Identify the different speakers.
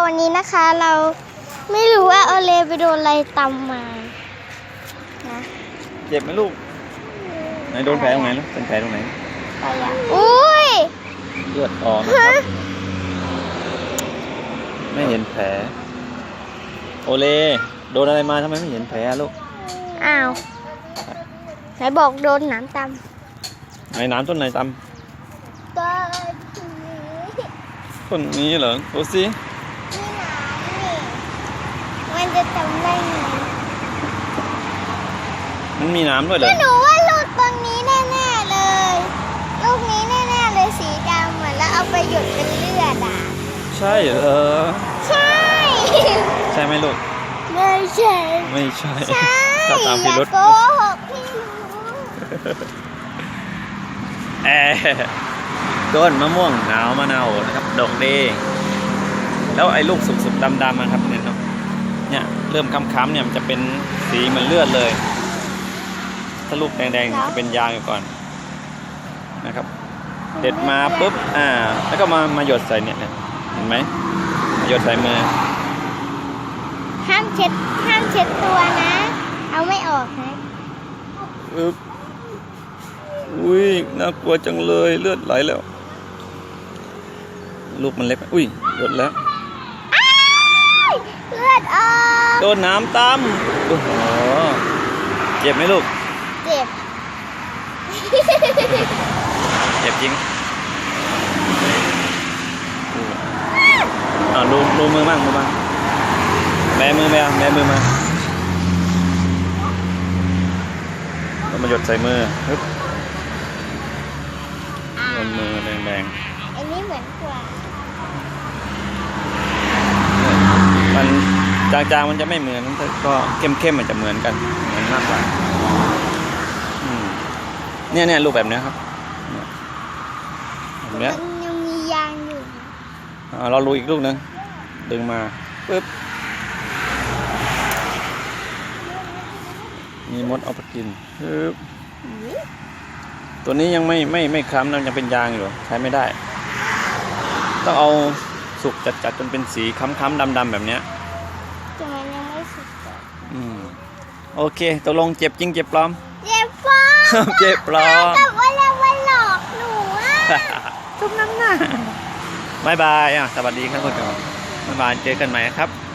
Speaker 1: วันนี้นะคะเราไม่รู้ว่าโอเลไปโดนอะไรตำมานะ
Speaker 2: เจ็บไหมลูกไหนโดนแผลตรงไหนลูกเป็นแผลตรงไหน
Speaker 1: ไปอ่ะอุ้ย
Speaker 2: เลือดออกนะครับไม่เห็นแผลโอเลโดนอะไรมาทำไมไม่เห็นแผลลูก
Speaker 1: อ้าวไหนบอกโดนน้ำต
Speaker 2: ำไหนน้ำต้นไหนตำต้นนี้เหรอดูสิ
Speaker 1: มันจะจำได้ไง
Speaker 2: มันมีน้ำด้วยเหรอ
Speaker 1: หนูว่าลูกตรงนี้แน่ๆเลยลูกนี้แน่ๆเลยสีดำเหมือนแล้วเอาไปหยดเป็นเลือดอ่ะ
Speaker 2: ใช่เหรอ
Speaker 1: ใช่
Speaker 2: ใช่ไหมลูก
Speaker 1: ไม่ใช่
Speaker 2: ไม่ใช่
Speaker 1: ถ้า
Speaker 2: ตามพิรุธ
Speaker 1: โกหกพี่
Speaker 2: ต้นมะม่วงหนาวมะนาวนะครับดอกเดย์แล้วไอ้ลูกสุกๆดำๆนะครับเนี่ยเริ่มค้ำๆเนี่ยมันจะเป็นสีเหมือนเลือดเลยถ้าลูกแดงๆจะเป็นยางอยู่ก่อนนะครับเด็ดมาปุ๊บแล้วก็มาหยดใส่เนี่ยเห็นไหมหยดใส่มือ
Speaker 1: ห้ามเช็ดตัวนะเอาไม่ออกนะ
Speaker 2: อุ้ยน่ากลัวจังเลยเลือดไหลแล้วลูกมันเล็กอุ้ยหยดแล้ว
Speaker 1: เลือดออก
Speaker 2: โดนน้ำตำโอ้โหเจ็บไหมลูก
Speaker 1: เจ็บ
Speaker 2: เจ็บจริงดูมือบ้างแบมือมาแล้วมาหยดใส่มือปึ๊บโดนมือแดง
Speaker 1: อันนี้เหมือนกว่า
Speaker 2: มันจางๆมันจะไม่เหมือนก็เข้มๆมันจะเหมือนกันเหมือนมากกว่าเนี่ยรูปแบบนี้ครับแบบนี้
Speaker 1: มันยังมียางอยู่
Speaker 2: เราลูอีกลูกนึงดึงมาปึ๊บมีมดเอาไปกินปึ๊บตัวนี้ยังไม่คล้ำนะยังเป็นยางอยู่ใช้ไม่ได้ต้องเอาสุกจัดจนเป็นสีค้ำๆดำๆแบบนี้
Speaker 1: แต่มันยังไม่สุก
Speaker 2: โอเคตกลงเจ็บจริงเจ็บปลอม
Speaker 1: เจ็บปลอม
Speaker 2: เจ็บปลอม
Speaker 1: แต่ว่าแล้วมันหลอกหนู
Speaker 2: ทุกน้ำหน้าบายบายสวัสดีครับคุณผู้ชมบ๊ายบายเจอกันใหม่ครับ